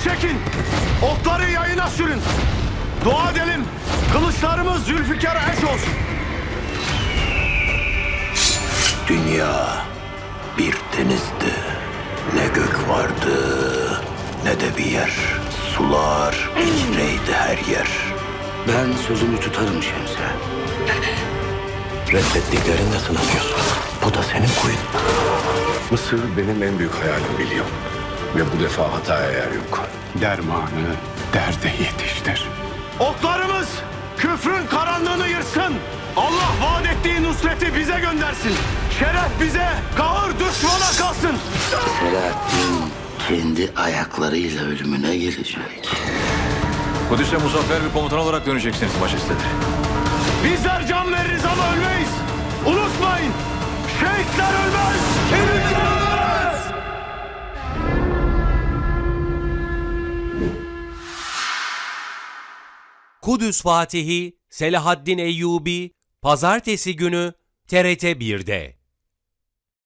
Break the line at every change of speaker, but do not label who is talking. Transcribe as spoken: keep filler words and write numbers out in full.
çekin. Okları yayına sürün. Dua edelim. Kılıçlarımız Zülfikar'a eş olsun.
Dünya bir denizdi. Ne gök vardı ne de bir yer. Sular içreydi her yer.
Ben sözümü tutarım Şemse.
Reddettiklerinde sınanıyorsun. Bu da senin kuyun.
Mısır benim en büyük hayalim biliyorum. Ve bu defa hataya yer yok. Dermanı derde yetiştir.
Oklarımız küfrün karanlığını yırsın. Allah vaat ettiği nusreti bize göndersin. Şeref bize, kahır düşmana kalsın.
Selahaddin kendi ayaklarıyla ölümüne gelecek.
Kudüs'e muzaffer bir komutan olarak döneceksiniz majesteleri.
Bizler can veririz ama ölmeyiz. Unutmayın, şehitler ölmez, kemikler ölmez.
Kudüs Fatihi Selahaddin Eyyubi Pazartesi günü T R T bir'de.